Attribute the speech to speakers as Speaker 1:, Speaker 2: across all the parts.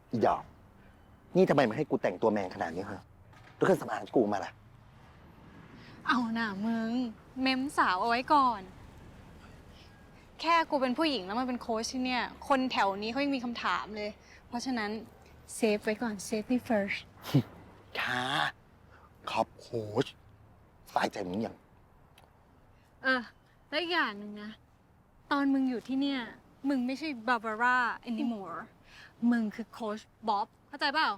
Speaker 1: อีดอกนี่ทำไมมาให้กูแต่งตัวแมนขนาดนี้ฮะแล้วเครื่องสำอางที่กูมาล่ะ
Speaker 2: เอาหน่ามึง เม้มสาวเอาไว้ก่อน แค่กูเป็นผู้หญิงแล้วมาเป็นโค้ชที่เนี่ย คนแถวนี้เขายังมีคำถามเลย เพราะฉะนั้นเซฟไว้ก่อน safety first
Speaker 1: ค่ะขอบโค้ชสบายใจมึงยัง
Speaker 2: แล้วอีกอย่างหนึ่งนะ ตอนมึงอยู่ที่เนี่ย มึงไม่ใช่บาบาร่า anymore มึงคือโค้ชบ๊อบเข้าใจเปล่า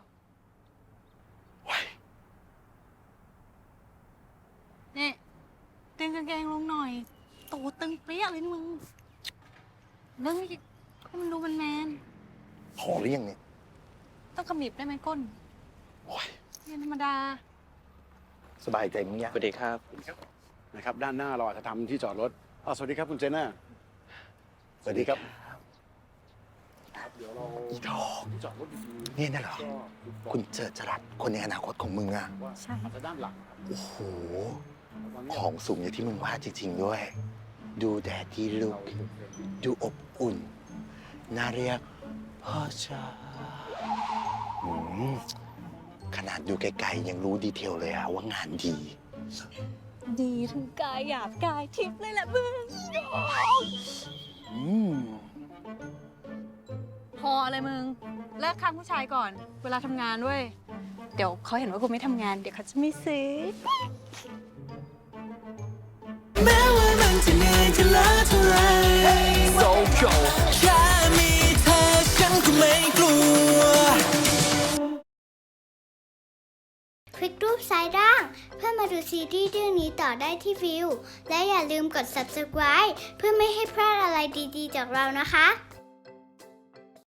Speaker 2: เนี่ยตึงกางเกงลงหน่อยโตตึงเปรี้ยเลยนี่มึงเรื่องนี้ให้มันดูมันแมน
Speaker 1: พอหรือยังเนี่ย
Speaker 2: ต้องขมิบได้ไหมก้น
Speaker 1: โอ้ย
Speaker 2: เนี่ยธรรมดา
Speaker 1: สบายใจมึงยัง
Speaker 3: สวัสดีครับ
Speaker 4: นะครับด้านหน้าเราอาจจะทำที่จอดรถสวัสดีครับคุณเจน่า
Speaker 1: สวัสดีครับ
Speaker 4: เดี๋ยวเรา
Speaker 1: อีดอก
Speaker 4: จอดรถดี
Speaker 1: นี่น่ะเหรอ
Speaker 4: ๆ
Speaker 1: คุณเจอจรัสคนในอนาคตของมึงอะ
Speaker 4: ว่า
Speaker 2: ใช่
Speaker 4: อาจจะด้านหลัง
Speaker 1: โอ้โห
Speaker 4: ตอนนี้
Speaker 1: ของสูงอย่างที่มึงว่าจริงๆด้วย ดูแดดที่ลุก ดูอบอุ่น น่าเรียกพ่อจ๋าอืมขนาดดูไกลๆยังรู้ดีเทลเลยอะว่างานดี
Speaker 2: ดีทั้งกายหยาบกายทิพย์เลยแหละมึง
Speaker 1: อืม
Speaker 2: พออะไรมึง เลิกข้างผู้ชายก่อน เวลาทำงานด้วย เดี๋ยวเขาเห็นว่ากูไม่ทำงาน เดี๋ยวเขาจะไม่ซื้อ
Speaker 5: แม้ว่ามันจะเหนื่อยจะล้าเท่าไรแค่มีเธอฉันก็ไม่กลัว
Speaker 6: คลิกรูปซ้ายล่าง เพื่อมาดูซีรีส์เรื่องนี้ต่อได้ที่วิว และอย่าลืมกด subscribe เพื่อไม่ให้พลาดอะไรดีๆจากเรานะคะ